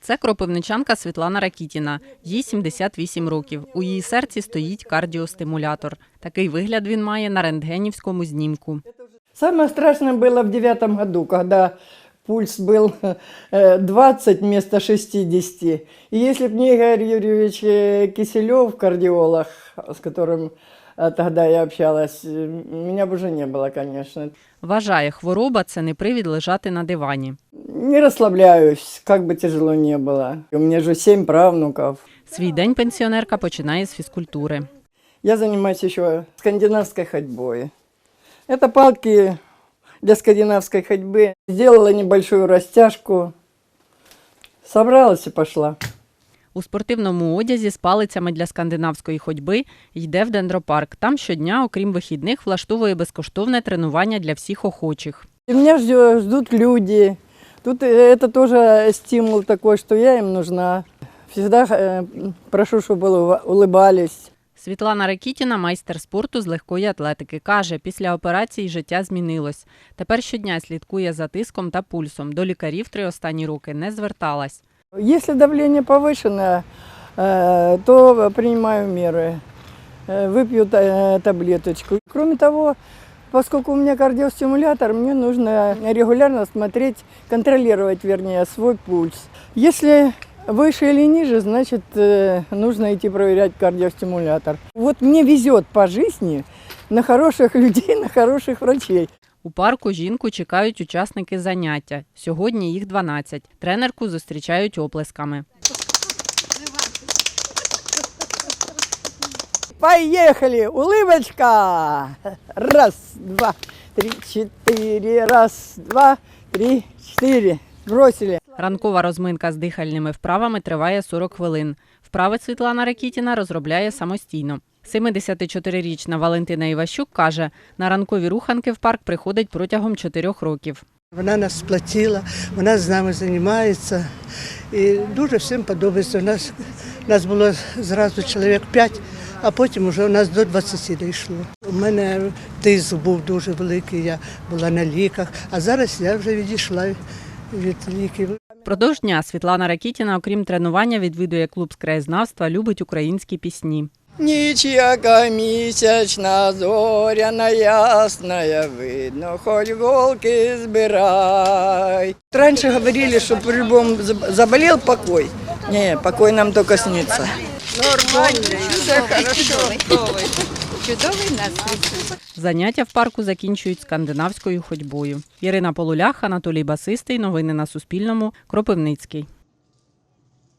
Це кропивничанка Світлана Ракітіна. Їй 78 років. У її серці стоїть кардіостимулятор. Такий вигляд він має на рентгенівському знімку. Самое страшное было в 2009 году, когда пульс был 20 вместо 60. И если бы не Игорь Юрьевич Киселев, кардиолог, с которым тогда я общалась, меня бы уже не было, конечно. Вважає, хвороба – це не привід лежати на дивані. Не расслабляюсь, как бы тяжело не было. У меня же 7 правнуков. Свій день пенсіонерка починає з фізкультури. Я занимаюсь еще скандинавской ходьбой. Это палки для скандинавской ходьбы. Сделала небольшую растяжку, собралась и пошла. У спортивному одязі з палицями для скандинавської ходьби йде в дендропарк. Там щодня, окрім вихідних, влаштовує безкоштовне тренування для всіх охочих. И меня ждут люди. Тут это тоже стимул такой, что я им нужна. Всегда прошу, чтобы улыбались. Світлана Ракітіна – майстер спорту з легкої атлетики. Каже, після операції життя змінилось. Тепер щодня слідкує за тиском та пульсом. До лікарів 3 останні роки не зверталась. Если давление повышенное, то принимаю меры. Выпью таблеточку. Кроме того, поскольку у меня кардиостимулятор, мне нужно регулярно смотреть, контролировать, вернее, свой пульс. Если выше или ниже, значит, нужно идти проверять кардиостимулятор. Вот мне везет по жизни на хороших людей, на хороших врачей. У парку жінку чекають учасники заняття. Сьогодні їх 12. Тренерку зустрічають оплесками. Поехали! Улыбочка! Раз, два, три, четыре. Раз, два, три, четыре. Бросили. Ранкова розминка з дихальними вправами триває 40 хвилин. Вправи Світлана Ракітіна розробляє самостійно. 74-річна Валентина Іващук каже, на ранкові руханки в парк приходить протягом 4 років. Вона нас сплотила, вона з нами займається і дуже всім подобається. У нас було зразу чоловік 5, а потім вже у нас до 20 дійшло. У мене тиск був дуже великий, я була на ліках, а зараз я вже відійшла від ліків. Впродовж дня Світлана Ракітіна, окрім тренування, відвідує клуб з краєзнавства, любить українські пісні. Ніч, яка місячна, зоряна, ясная, видно, хоть волки збирай. Раньше говорили, что по-любому заболел покой. Не, покой нам только снится. Нормально, все хорошо. Чудовий настрій. Заняття в парку закінчують скандинавською ходьбою. Ірина Полулях, Анатолій Басистий. Новини на Суспільному. Кропивницький.